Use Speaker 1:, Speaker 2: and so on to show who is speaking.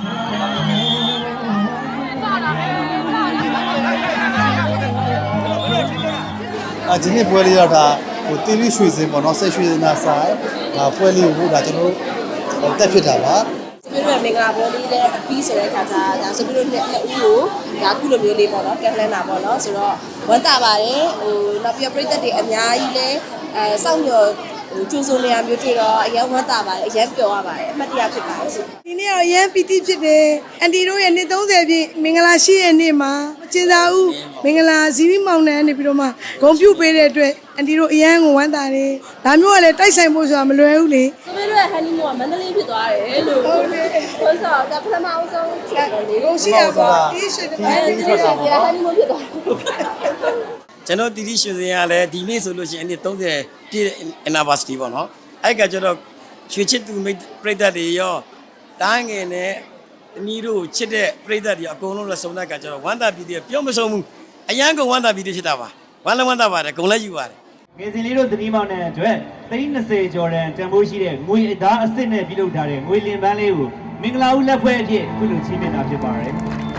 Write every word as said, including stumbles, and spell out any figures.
Speaker 1: 啊，今天玻璃要它，我地理水质嘛，那晒水那晒，啊，玻璃我那就弄，呃，带皮它吧。
Speaker 2: 所以说，每个玻璃的比起来看啥，但是比如那那乌，那古了没有嘞嘛，那跟来那嘛，那所以说，我大把的，哦，那比如说的人家伊嘞，呃，上面。就送两秒对了，也我打吧，也表啊吧，没得也去办事。
Speaker 3: ဒီနေ့တော့ရန်ပီတိဖြစ်တယ်အန်တီတို့ရဲ့နေ့သုံးဆယ်ပြည့်မင်္ဂလာရှိရဲ့နေ့မှာကျင်းစာဦးမင်္ဂလာဇီဝီမောင်နှံနေပြီးတော့မှဂုံပြုတ်ပေးတဲ့အတွက်အန်တီတို့အရန်ကိုဝမ်းသာတယ်ဒါမျိုးကလည်းတိုက်ဆိုင်ဖို့ဆိုတာမလွယ်ဘူးလေ
Speaker 2: ဆိုပြီးတော့ဟန်နီမိုကမန္တလေးဖြစ်သွားတယ်လို့ဟုတ်တယ်ဆိုတော့ဒါပထမအဆုံးချက်တယ်လေ
Speaker 3: ကိုရှိရပါဒီရှိတယ်
Speaker 2: အဲဒီရှိတယ်ဟန်နီမိုဖြစ်သွား
Speaker 4: ကျွန်တော်တီတီရွှေစင်ရလဲဒီနေ့ဆိုလို့ရှိရင်အနည်း30ပြည့် anniversary ပေါ့နော်အဲ့ကကျတော့ရွှေချစ်သူမိတ်ပြိတ္တတွေရောတားငယ်နဲ့အနီးတို့ချစ်တဲ့ပြိတ္တတွေအကုန်လုံးလည်းစုံတဲ့ကကျတော့ဝမ်းသာပြည်တွေပြောမဆုံးဘူးအရန်ကုန်ဝမ်းသာပြည်တွေဖြစ်တာပါဝမ်းလည်းဝမ်းသာပါတယ်ဂုံလည်းယူပါတယ်
Speaker 5: ငယ်စဉ်လေးတို့သတိမောင်းတဲ့အတွက်သိန်း20ကျော်တန်တန်ဖိုးရှိတဲ့ငွေအသားအစ်စ်နဲ့ပြုလုပ်ထားတဲ့ငွေလင်ပန်းလေးကိုမင်္ဂလာဦးလက်ဖွဲ့အဖြစ်ခုလိုချီးမြှင့်တာဖြစ်ပါတယ်